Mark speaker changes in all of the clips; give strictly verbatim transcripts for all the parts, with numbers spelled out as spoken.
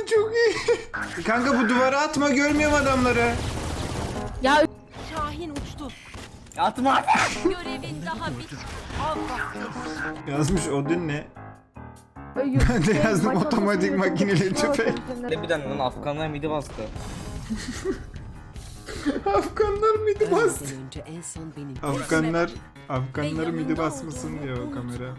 Speaker 1: çok iyi. Kanka bu duvara atma, görmüyorum adamları.
Speaker 2: Ya
Speaker 3: Şahin uçtu.
Speaker 4: Atma.
Speaker 3: Görevin daha bit.
Speaker 1: Yazmış Odin ne? Ben de yazdım otomatik makineli tüfek.
Speaker 4: Ne bir tane lan Afganlar midi bastı.
Speaker 1: Afganlar midi bastı.
Speaker 3: önce en son benim.
Speaker 1: Afganlar Afganlar midi basmasın diyor o kamera.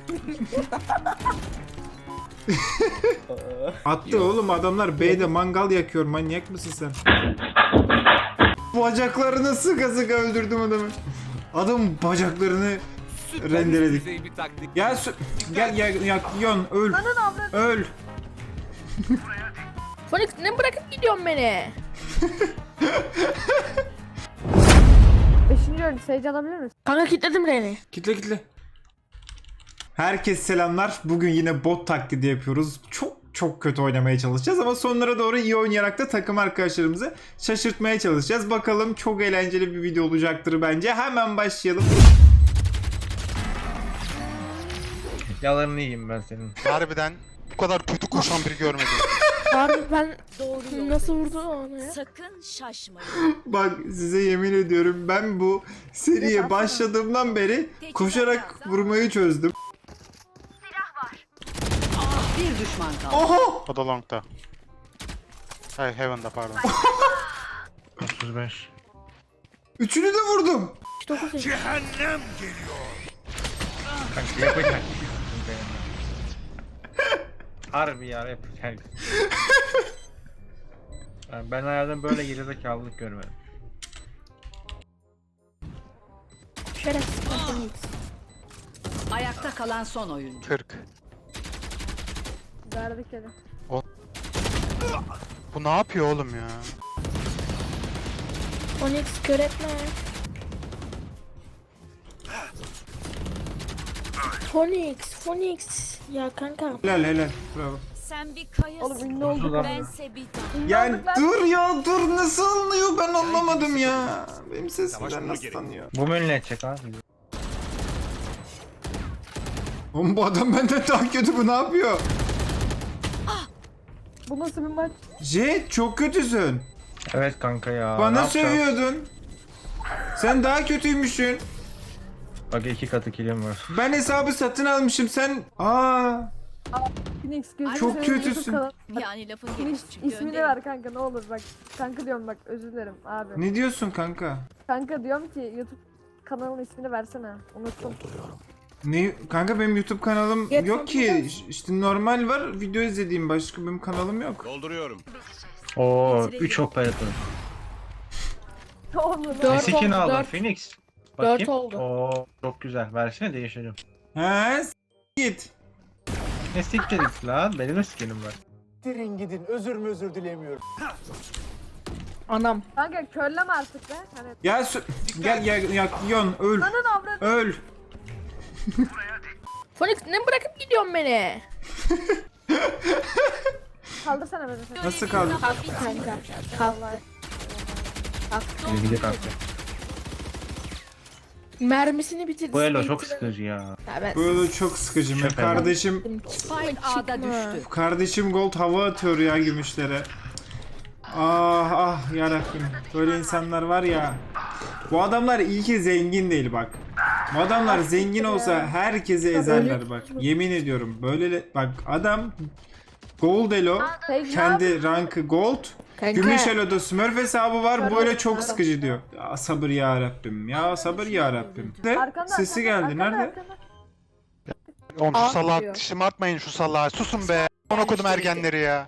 Speaker 1: Attı oğlum, adamlar B'de mangal yakıyor, manyak mısın sen? Bacaklarını sıka sıka öldürdüm adamı. Adam bacaklarını rendeledik. Gel sü- gel gel yak yon öl. Öl.
Speaker 2: Phoenix ne bırakıp gidiyorsun beni?
Speaker 5: Beşinci öldü. Sage alabilir misin?
Speaker 2: Kanka kilitledim Reni.
Speaker 1: Kitle kitle. Herkese selamlar. Bugün yine bot taklidi yapıyoruz. Çok çok kötü oynamaya çalışacağız ama sonlara doğru iyi oynayarak da takım arkadaşlarımızı şaşırtmaya çalışacağız. Bakalım, çok eğlenceli bir video olacaktır bence. Hemen başlayalım.
Speaker 4: Yalarını yiyeyim ben senin.
Speaker 6: Harbiden bu kadar kötü koşan biri görmedim.
Speaker 2: Harbi ben
Speaker 3: Doğru
Speaker 2: nasıl vurdu onu ya?
Speaker 3: Sakın şaşmayın.
Speaker 1: Bak size yemin ediyorum, ben bu seriye başladığımdan beri koşarak vurmayı çözdüm.
Speaker 3: Bir düşman kaldı.
Speaker 1: Oho!
Speaker 6: O da long'da. Hayır, Heaven'da pardon.
Speaker 4: otuz beş.
Speaker 1: Üçünü de vurdum.
Speaker 2: dokuz yaşında.
Speaker 4: Kanka yapacak. Harbi ya yapacak. Yani ben hayatımda böyle gerizekalılık görmedim.
Speaker 2: Şerefsiz Phoenix.
Speaker 3: Ayakta kalan son oyuncu.
Speaker 6: kırk.
Speaker 5: Verdik eli.
Speaker 6: Bu ne yapıyor oğlum ya?
Speaker 2: Phoenix kör etme. Phoenix, Phoenix. Ya kanka.
Speaker 1: Helal helal. Bravo.
Speaker 3: Sen bir kayasın.
Speaker 5: Oğlum ünlü olduk.
Speaker 3: Bense bir dağ.
Speaker 1: Yani dur ya dur, nasıl anlıyor, ben anlamadım ya. Benim sesimden nasıl tanıyor?
Speaker 4: Bu mu ne edecek abi?
Speaker 1: Oğlum bu adam benden daha kötü, bu ne yapıyor?
Speaker 5: Bu nasıl bir maç?
Speaker 1: Jet çok kötüsün.
Speaker 4: Evet kanka ya. ne
Speaker 1: Bana
Speaker 4: yapacağız?
Speaker 1: sövüyordun. Sen daha kötüymüşsün.
Speaker 4: Bak iki katı kilim var.
Speaker 1: Ben hesabı satın almışım, sen... Aa,
Speaker 5: Phoenix gözünü
Speaker 1: Çok
Speaker 5: seveyim,
Speaker 1: kötüsün.
Speaker 5: YouTube kanalı-
Speaker 3: Yani lafın
Speaker 5: Phoenix
Speaker 3: gelişi çıkıyor.
Speaker 5: ismini ver kanka, ne olur bak. Kanka diyorum bak, özür dilerim abi.
Speaker 1: ne diyorsun kanka?
Speaker 5: Kanka diyorum ki YouTube kanalının ismini versene. Unuttum.
Speaker 1: Ne kanka, benim YouTube kanalım
Speaker 2: Yet-
Speaker 1: yok ki. İşte normal var, video izlediğim, başka benim kanalım yok.
Speaker 7: Dolduruyorum.
Speaker 4: Oo üç operatör.
Speaker 5: Oğlum
Speaker 2: Dört
Speaker 5: lan.
Speaker 4: Ne skin
Speaker 2: oldu,
Speaker 4: aldın
Speaker 2: dört.
Speaker 4: Phoenix?
Speaker 2: Dört oldu.
Speaker 4: Oo çok güzel. Versene değişelim.
Speaker 1: He s- git.
Speaker 4: Ne siktirdik lan? Benim de skinim var.
Speaker 8: Gidin gidin, özür mü özür dilemiyorum.
Speaker 2: Anam.
Speaker 5: Kanka körleme artık be. Hani
Speaker 1: Ya sü- gel gel yak yon öl.
Speaker 5: anın avradı.
Speaker 1: Öl.
Speaker 2: Phoenix ne bırakıp gidiyorsun beni?
Speaker 5: Kaldırsana beni sen.
Speaker 1: Nasıl kaldı?
Speaker 2: Kalk kanka. Kalk.
Speaker 4: Bir de kalktı.
Speaker 2: Mermisini bitirdi.
Speaker 4: Bu elo çok
Speaker 2: Bitirdi.
Speaker 4: sıkıcı ya.
Speaker 2: Ya ben
Speaker 1: Böyle çok sıkıcı. Ben
Speaker 4: Şaka
Speaker 1: kardeşim
Speaker 3: Spike A'da düştü.
Speaker 1: kardeşim Gold hava atıyor ya gümüşlere. Ah ah yarabbim. Böyle insanlar var ya. Bu adamlar iyi ki zengin değil bak. Bu adamlar zengin olsa herkesi ezerler bak. Yemin ediyorum. Böyle bak, adam Gold Elo,
Speaker 5: Sage
Speaker 1: kendi rankı Gold.
Speaker 2: Kanka.
Speaker 1: Gümüş Elo'da Smurf hesabı var. Böyle çok sıkıcı diyor. Ya sabır ya Rabbim. Ya sabır ya Rabbim. De,
Speaker 5: Arkanda,
Speaker 1: sesi
Speaker 5: arkanda,
Speaker 1: geldi.
Speaker 5: arkanda,
Speaker 1: Nerede?
Speaker 5: arkanda.
Speaker 6: Oğlum şu
Speaker 2: Aa,
Speaker 6: salağı
Speaker 2: diyor.
Speaker 6: şımartmayın, şu salağı. Susun be. Ona kodum ergenleri ya.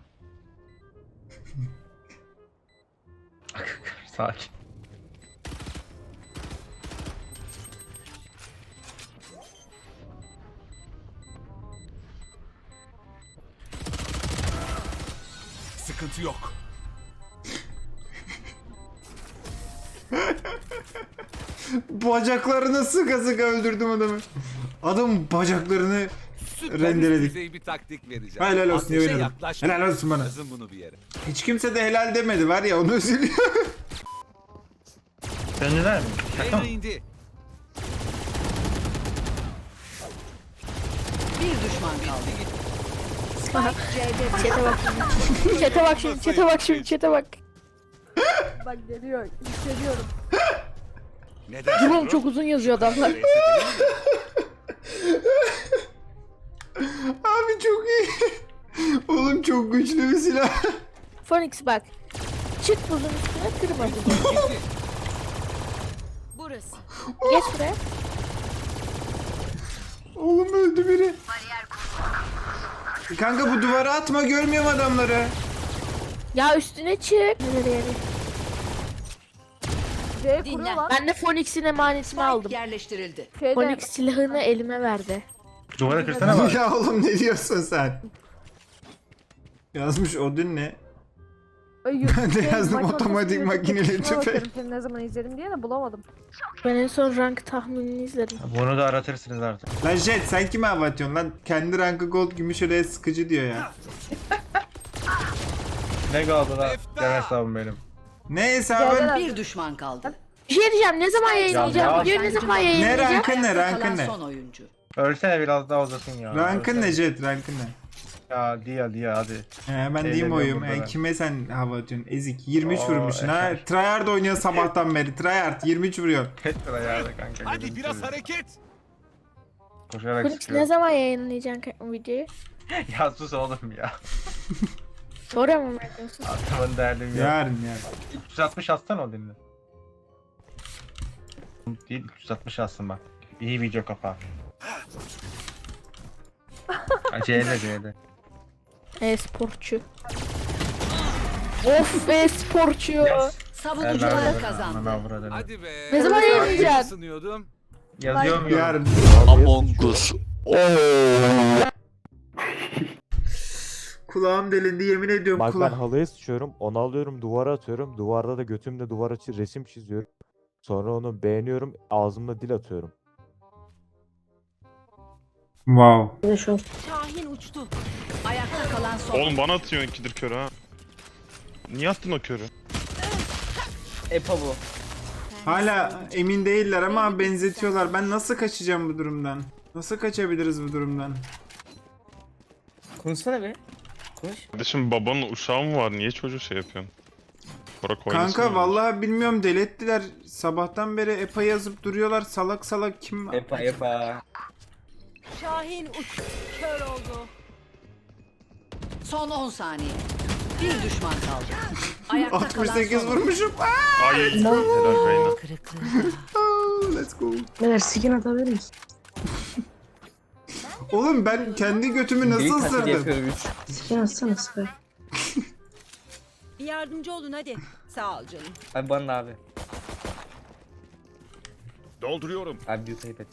Speaker 4: Sakin.
Speaker 7: Sıkıntı yok.
Speaker 1: Bacaklarını sıka sıka öldürdüm adamı. Adam bacaklarını
Speaker 7: Süper
Speaker 1: rendeledik.
Speaker 7: düzey bir taktik vereceğim.
Speaker 1: Helal olsun,
Speaker 7: Ateşe
Speaker 1: yemin ederim.
Speaker 7: yaklaşma.
Speaker 1: Helal olsun bana.
Speaker 7: Yazın bunu bir yere.
Speaker 1: Hiç kimse de helal demedi var ya, onu üzülüyor.
Speaker 4: Döndüler mi? Şaka mı?
Speaker 7: Reyna indi.
Speaker 3: Bir düşman kaldı.
Speaker 2: Çete bak şimdi. Çete bak şimdi. Çete bak şimdi. Çete bak.
Speaker 5: Bak geliyor. Hissediyorum.
Speaker 7: Neden?
Speaker 2: Drone çok uzun yazıyor adamlar.
Speaker 1: Abi çok iyi. Oğlum çok güçlü bir silah.
Speaker 2: Phoenix bak. Çık buzun üstüne kırma buzu.
Speaker 3: Burası.
Speaker 2: Geç buraya.
Speaker 1: Oğlum öldü biri. Kanka bu duvara atma, görmüyorum adamları.
Speaker 2: Ya üstüne çık. Nereye?
Speaker 5: C
Speaker 3: Dinle.
Speaker 5: kuruyor lan.
Speaker 2: Ben de Phoenix'in emanetini aldım.
Speaker 3: Spike yerleştirildi.
Speaker 5: Şeyde
Speaker 2: Phoenix silahını elime verdi.
Speaker 4: Duvara kırsana bak.
Speaker 1: Ya oğlum ne diyorsun sen? Yazmış Odin ne?
Speaker 5: Ay, yu-
Speaker 1: Ben de
Speaker 5: şey,
Speaker 1: yazdım,
Speaker 5: maç
Speaker 1: otomatik
Speaker 5: ortasında
Speaker 1: makineli
Speaker 5: YouTube'da
Speaker 1: tüfek.
Speaker 5: bakıyorum, Seni ne zaman izledim diye de bulamadım.
Speaker 2: Ben en son rank tahminini izledim.
Speaker 4: Bunu da aratırsınız artık.
Speaker 1: Lan Jet sen kime hava atıyorsun lan? Kendi rankı gold gümüş oraya sıkıcı diyor ya.
Speaker 4: Ne kaldı lan?
Speaker 7: Efta!
Speaker 4: Gel hesabım benim.
Speaker 1: Ne hesabın?
Speaker 5: Geldiler.
Speaker 3: Bir düşman kaldı.
Speaker 2: Bir şey diyeceğim. Ne zaman yayınlayacağım?
Speaker 4: ya.
Speaker 2: Videoyu ne zaman
Speaker 1: Ne
Speaker 2: yayınlayacağım?
Speaker 1: rankın ne
Speaker 3: Ayakta
Speaker 1: rankın
Speaker 3: kalan
Speaker 1: ne?
Speaker 3: son oyuncu.
Speaker 4: Ölsene biraz daha uzasın ya.
Speaker 1: Rankın ne
Speaker 4: Ölsene.
Speaker 1: Jet rankın ne?
Speaker 4: Ya diye diye hadi.
Speaker 1: He ben
Speaker 4: Şeyle
Speaker 1: diyeyim oyum.
Speaker 4: diyorum
Speaker 1: E,
Speaker 4: burada.
Speaker 1: kime sen hava atıyorsun? Ezik. yirmi üç
Speaker 4: Oo,
Speaker 1: vurmuşsun ha.
Speaker 4: eşek.
Speaker 1: Tryhard oynuyor sabahtan beri. Tryhard yirmi üç vuruyor.
Speaker 4: Tek lira ya kanka.
Speaker 7: Hadi
Speaker 4: gözünü
Speaker 7: biraz
Speaker 4: seveyim.
Speaker 7: hareket.
Speaker 4: Koşarak
Speaker 2: Phoenix
Speaker 4: çıkıyor.
Speaker 2: ne zaman yayınlayacaksın ka- videoyu?
Speaker 4: Ya sus oğlum ya.
Speaker 2: Sonra mı bekliyorsun?
Speaker 4: Adamın derdim ya.
Speaker 1: Yarın yarın.
Speaker 4: üç yüz altmış atsana o dinle. Değil üç yüz altmış atsın bak. İyi video kapağı. Ha, C'de C'de.
Speaker 2: E-sporcu. Of e-sporcu.
Speaker 3: Savunucular kazandı.
Speaker 7: Hadi be.
Speaker 2: Ne zaman
Speaker 7: Ben
Speaker 2: yayınlayacaksın?
Speaker 7: ısınıyordum.
Speaker 4: Yazıyorum ya.
Speaker 1: Yarın.
Speaker 9: Among Us.
Speaker 1: Kulağım delindi yemin ediyorum
Speaker 9: Bak ben
Speaker 1: kulağım.
Speaker 9: halıya sıçıyorum, onu alıyorum duvara atıyorum. Duvarda da götümle duvara çi- resim çiziyorum. Sonra onu beğeniyorum, ağzımla dil atıyorum.
Speaker 1: Wow.
Speaker 3: Şahin uçtu. Ayakta kalan son.
Speaker 10: Oğlum bana atıyorsun ikidir körü ha. Niye attın o körü?
Speaker 1: Hala emin değiller ama benzetiyorlar. Ben nasıl kaçacağım bu durumdan? Nasıl kaçabiliriz bu durumdan?
Speaker 11: Konuşsana be. Konuş.
Speaker 10: Kardeşim babanın uşağı mı var? Niye çocuğu şey yapıyorsun? Bırak oynasın.
Speaker 1: Kanka
Speaker 10: yani.
Speaker 1: vallahi bilmiyorum, delettiler. Sabahtan beri EPA yazıp duruyorlar. Salak salak kim?
Speaker 11: Epa epa.
Speaker 3: Şahin uç. Kör oldu. Son on saniye. Bir düşman kaldı. Ayakta
Speaker 1: altmış
Speaker 3: kalan
Speaker 1: sekiz
Speaker 3: son oyuncu.
Speaker 1: vurmuşum.
Speaker 10: Ay helal Reyna.
Speaker 3: Kırıklığı.
Speaker 1: Aa, let's go.
Speaker 5: Neler skin atabilir misin?
Speaker 1: Oğlum ben kendi götümü nasıl
Speaker 11: Büyük taklidi
Speaker 1: ısırdım?
Speaker 11: yapıyorum üç.
Speaker 5: Skin atsana Sky.
Speaker 3: Bir yardımcı olun hadi. Sağ ol canım.
Speaker 11: Abi bana da abi.
Speaker 7: Dolduruyorum.
Speaker 11: Abi büyük ayıp et.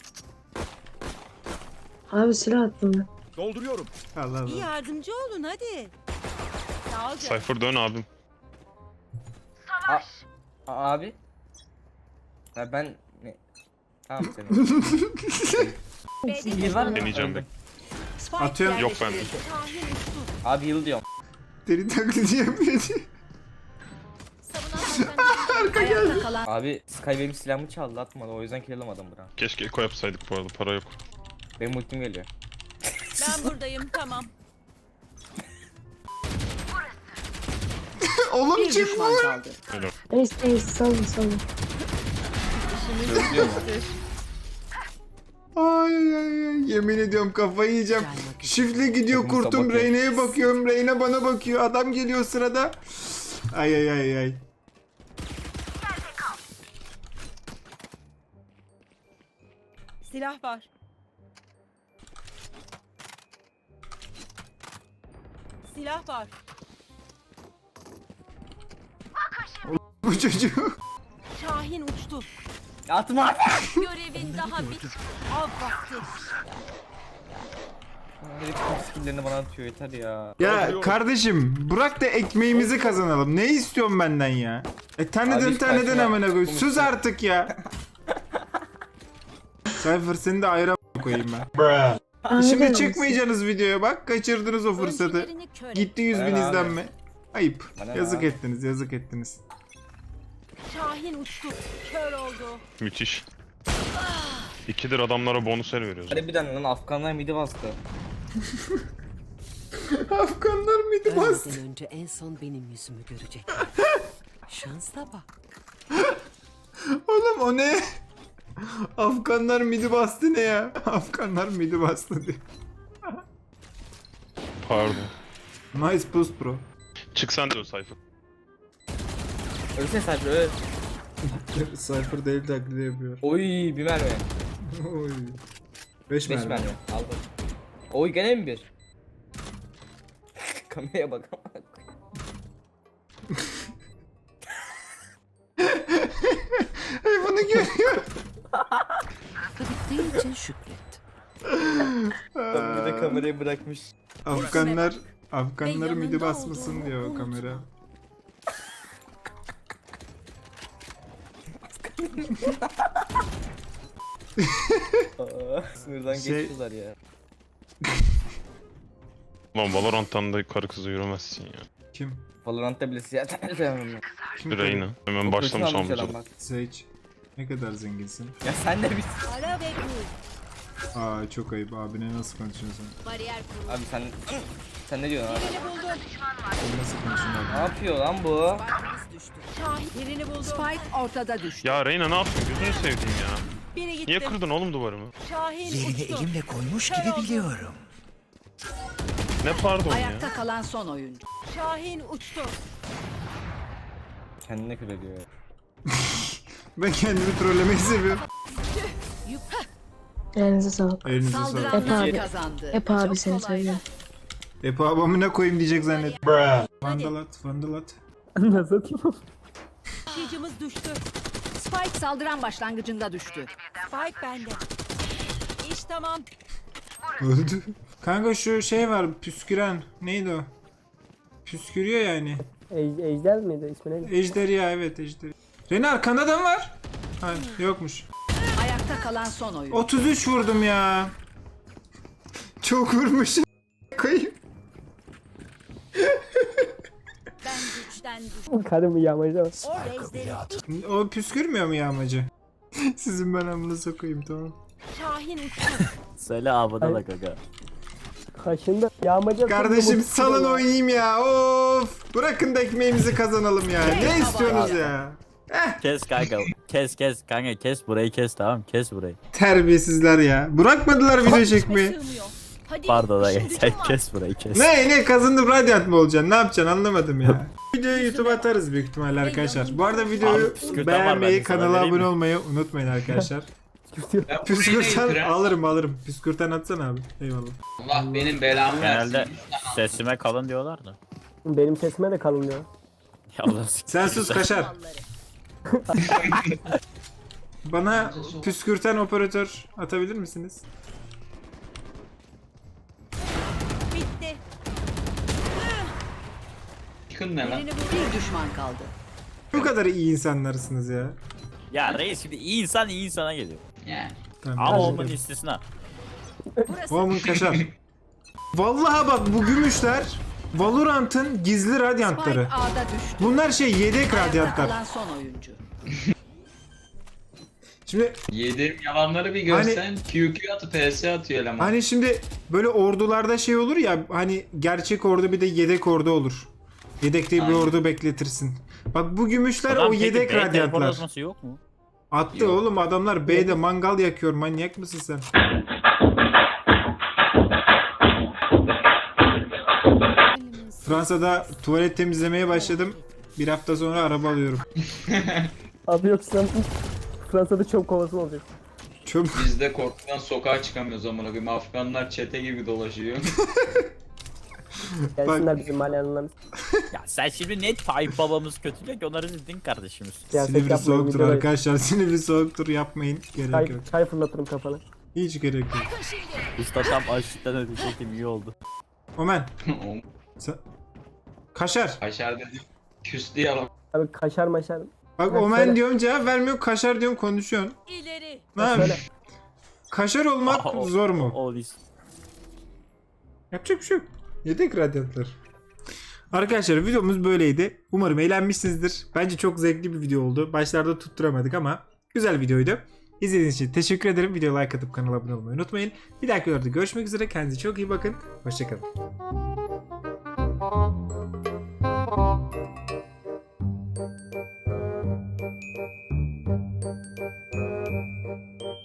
Speaker 5: Abi silah attım ben.
Speaker 7: Dolduruyorum.
Speaker 1: Allah Allah.
Speaker 3: yardımcı olun hadi. Sağ ol
Speaker 10: Cypher dön abim.
Speaker 11: A abi. Ya ben ne? Tamam senin. Bir var mı?
Speaker 10: Deneyeceğim de.
Speaker 1: Atıyorum.
Speaker 10: Yok bende.
Speaker 11: Abi yıl diyorum.
Speaker 1: Deli taklidi yapıyor diye.
Speaker 3: Ayakta kalan
Speaker 11: Abi Sky benim silahımı çaldı atmadı o yüzden kill alamadım bura.
Speaker 10: Keşke eko yapsaydık bu arada, para yok.
Speaker 11: Benim ultim geliyor.
Speaker 3: ben buradayım tamam.
Speaker 1: Oğlum
Speaker 3: Bir
Speaker 1: kim
Speaker 3: düşman
Speaker 1: bu?
Speaker 3: kaldı.
Speaker 10: Helal.
Speaker 5: Neyse neyse salın salın.
Speaker 11: Özlüyor mu?
Speaker 1: Ay ay ay, yemin ediyorum kafayı yiyeceğim. Şifle gidiyor
Speaker 11: Takımı
Speaker 1: kurtum,
Speaker 11: sabote.
Speaker 1: Reyna'ya bakıyorum, Reyna bana bakıyor, adam geliyor sırada. Ay ay ay ay.
Speaker 3: Silah var. Silah var.
Speaker 1: Bu çocuğu.
Speaker 3: Şahin uçtu.
Speaker 11: Atma abi.
Speaker 3: Görevin daha bit. Av vakti.
Speaker 11: Herif tüm skilllerini bana atıyor yeter ya.
Speaker 1: Ya kardeşim bırak da ekmeğimizi kazanalım. Ne istiyorsun benden ya? E tanıdın
Speaker 11: Abi,
Speaker 1: tanıdın
Speaker 11: saçma.
Speaker 1: amına koyayım.
Speaker 11: Komik.
Speaker 1: Sus artık ya. Cypher seni de ayrı koyayım ben. Şimdi çıkmayacaksınız videoya bak. Kaçırdınız o fırsatı.
Speaker 3: Öncelerini kör.
Speaker 1: Gitti yüz bin
Speaker 11: Bana ne abi?
Speaker 1: izlenme. Ayıp.
Speaker 11: Bana ne
Speaker 1: Yazık
Speaker 11: abi?
Speaker 1: ettiniz, yazık ettiniz.
Speaker 3: Şahin uçtu. Kör oldu.
Speaker 10: Müthiş. İkidir adamlara bonus el veriyoruz.
Speaker 11: Harbiden lan Afganlar midi bastı.
Speaker 1: Afganlar mıydı bastı?
Speaker 3: Ölmeden önce en son benim yüzümü görecek. Şansa bak.
Speaker 1: Oğlum o ne? Afganlar midi bastı ne ya? Afganlar midi bastı diyor.
Speaker 10: Pardon.
Speaker 1: Nice boost bro.
Speaker 10: Çıksan diyor sayfa.
Speaker 11: Ölsene sadece öl.
Speaker 1: Cypher değil taklidi yapıyor.
Speaker 11: Oy bir mermi.
Speaker 1: Oy. Beş
Speaker 11: Beş
Speaker 1: mermi.
Speaker 11: mermi. Aldım. Oy gene mi bir? Kameraya bak.
Speaker 1: Ay bunu görüyor.
Speaker 3: Bittiği için şükret.
Speaker 11: Bir de kamerayı bırakmış.
Speaker 1: Afganlar Afganlar
Speaker 3: Ve
Speaker 1: midi
Speaker 3: yanında
Speaker 1: basmasın
Speaker 3: olduğumu
Speaker 1: diyor
Speaker 3: unutma.
Speaker 1: kamera.
Speaker 11: Aa, sınırdan
Speaker 1: Şey-
Speaker 11: geçiyorlar ya.
Speaker 10: Lan Valorant'tan da karı kızı yürümezsin ya.
Speaker 1: Kim?
Speaker 11: Valorant'ta bile siyah sevmem ya.
Speaker 1: Kim?
Speaker 10: Reyna. Hemen başlamış
Speaker 11: Fırtına almış
Speaker 10: amca.
Speaker 11: adam bak.
Speaker 1: Sage. Ne kadar zenginsin.
Speaker 11: Ya sen de bir...
Speaker 3: Ara ve kur.
Speaker 1: Aa çok ayıp abine nasıl konuşuyorsun?
Speaker 3: Bariyer kur.
Speaker 11: Abi sen... Sen ne diyorsun abi?
Speaker 3: Birini buldum.
Speaker 1: Sen nasıl konuşuyorsun
Speaker 11: Ne
Speaker 1: abi?
Speaker 11: yapıyor lan bu?
Speaker 3: Spike'ımız düştü. Şahin. Birini buldum. Spike ortada düştü.
Speaker 10: Ya Reyna ne yaptın? Gözünü seveyim ya.
Speaker 3: Biri gitti.
Speaker 10: Niye kırdın oğlum duvarımı?
Speaker 3: Şahin uçtu.
Speaker 7: koymuş
Speaker 3: gibi biliyorum.
Speaker 10: Ne pardon ya?
Speaker 3: Ayakta kalan son oyuncu. Şahin uçtu.
Speaker 11: Kendine kül ediyor ya.
Speaker 1: Ben kendimi trollemeyi seviyorum.
Speaker 5: Elinize sağlık.
Speaker 1: Elinize sağlık.
Speaker 3: Saldıranlar
Speaker 5: Hep abi-
Speaker 3: kazandı.
Speaker 5: Hep abi
Speaker 3: Çok
Speaker 5: seni
Speaker 3: kolay.
Speaker 5: seviyorum.
Speaker 1: Epo abamına koyayım diyecek zannet. Vandalat, vandalat.
Speaker 5: Nasıl?
Speaker 3: Taşıyıcımız düştü. Spike saldıran başlangıcında düştü. Spike bende. İş tamam.
Speaker 1: Öldü. Kanka şu şey var püsküren. Neydi o? Püskürüyor yani.
Speaker 5: Ejder miydi? İsmi neydi?
Speaker 1: Ejderha evet ejderha. Rene arkanda da mı var? Hayır yokmuş.
Speaker 3: Ayakta kalan son oyuncu.
Speaker 1: otuz üç vurdum ya. Çok vurmuşum. Koyayım.
Speaker 3: Ben güçten düştüm.
Speaker 5: Karım yağmacı var.
Speaker 3: O reisleri
Speaker 1: O püskürmüyor mu yağmacı? Sizin ben amına sokayım tamam.
Speaker 3: Şahin uçtu.
Speaker 9: Söyle abone da gaga.
Speaker 5: Kaşında yağmacı.
Speaker 1: Kardeşim salın oynayayım ya. Of. Bırakın da ekmeğimizi kazanalım ya. Ne istiyorsunuz ya?
Speaker 9: Kes kanka. Kes kes kanka kes burayı kes tamam kes burayı.
Speaker 1: Terbiyesizler ya. Bırakmadılar video çekmeyi.
Speaker 3: Sığmıyor. Hadi.
Speaker 9: Pardon
Speaker 3: işim
Speaker 9: aga
Speaker 3: gücüm
Speaker 9: sen
Speaker 3: var.
Speaker 9: kes burayı kes.
Speaker 1: Ne ne kazandım Radiant mı olacaksın? Ne yapacaksın anlamadım ya. Videoyu YouTube'a atarız büyük ihtimalle arkadaşlar. Bu arada videoyu
Speaker 9: Abi, püskürten var, ben
Speaker 1: beğenmeyi,
Speaker 9: de sana
Speaker 1: kanala
Speaker 9: vereyim
Speaker 1: abone
Speaker 9: mi?
Speaker 1: olmayı unutmayın arkadaşlar. Püskürten alırım alırım. Püskürten atsana abi. Eyvallah.
Speaker 12: Allah benim belamı
Speaker 9: Genelde sesime kalın diyorlar da.
Speaker 5: Benim sesime de kalın diyor.
Speaker 9: Ya Allah s-
Speaker 1: Sen sus kaşar. Bana püskürten operatör atabilir misiniz?
Speaker 3: Bitti.
Speaker 12: Çıkın ne lan?
Speaker 3: Birini buldum. Bir düşman kaldı.
Speaker 1: Bu kadar iyi insanlarsınız ya.
Speaker 9: Ya reis şimdi iyi insan iyi insana geliyor.
Speaker 12: Yani.
Speaker 1: Tamam,
Speaker 9: Ama
Speaker 1: teşekkür
Speaker 9: olmanın
Speaker 1: ederim.
Speaker 9: istisna.
Speaker 3: Burası.
Speaker 1: Oğlum kaşar. Vallahi bak bu gümüşler Valorant'ın gizli radyantları.
Speaker 3: Spike A'da düştü.
Speaker 1: Bunlar şey yedek
Speaker 3: Ayakta
Speaker 1: radyantlar.
Speaker 3: kalan son oyuncu.
Speaker 1: Şimdi
Speaker 12: Yediğim yalanları bir görsen Q Q atıp P S atıyor eleman.
Speaker 1: hani şimdi böyle ordularda şey olur ya hani gerçek ordu bir de yedek ordu olur. Yedekte bir
Speaker 12: Aynen.
Speaker 1: ordu bekletirsin. Bak bu gümüşler
Speaker 9: Adam
Speaker 1: o
Speaker 9: peki
Speaker 1: yedek
Speaker 9: B
Speaker 1: radyantlar.
Speaker 9: teleportlaması yok mu?
Speaker 1: Attı
Speaker 12: Yok.
Speaker 1: oğlum adamlar B'de mangal yakıyor manyak mısın sen? Fransa'da tuvalet temizlemeye başladım. Bir hafta sonra araba alıyorum.
Speaker 5: Abi yoksa Fransa'da çöp kovası mı olacak?
Speaker 1: Çöp.
Speaker 12: Biz de korkudan sokağa çıkamıyoruz amına koyayım. Afganlar çete gibi dolaşıyor.
Speaker 5: Gelsinler bizim mahallelerimiz.
Speaker 9: Ya sen şimdi net Tayyip babamız kötüle ki onları siz din kardeşimiz.
Speaker 5: Siyaset
Speaker 1: Silivri
Speaker 5: yapmayın,
Speaker 1: soğuktur
Speaker 5: videoda-
Speaker 1: arkadaşlar. Silivri soğuktur yapmayın. Gerek
Speaker 5: Çay,
Speaker 1: yok.
Speaker 5: çay fırlatırım kafana.
Speaker 1: Hiç gerek yok.
Speaker 9: Usta tam açlıktan ödeyecektim iyi oldu.
Speaker 1: Omen. Sen... Kaşar.
Speaker 12: Kaşar dedi. Küstü yalan.
Speaker 5: Abi kaşar maşar.
Speaker 1: Bak
Speaker 5: Ha,
Speaker 1: Omen
Speaker 5: söyle.
Speaker 1: diyorum cevap vermiyor. Kaşar diyorum konuşuyorsun.
Speaker 3: İleri.
Speaker 1: Ne
Speaker 5: Ha,
Speaker 1: yapayım?
Speaker 5: söyle.
Speaker 1: Kaşar olmak
Speaker 9: Aa, o-
Speaker 1: zor mu?
Speaker 9: O list.
Speaker 1: Yapacak bir şey yok. Yedek radyantlar. Arkadaşlar videomuz böyleydi. Umarım eğlenmişsinizdir. Bence çok zevkli bir video oldu. Başlarda tutturamadık ama güzel videoydu. İzlediğiniz için teşekkür ederim. Videoya like atıp kanala abone olmayı unutmayın. Bir dahaki videoda görüşmek üzere. Kendinize çok iyi bakın. Hoşçakalın.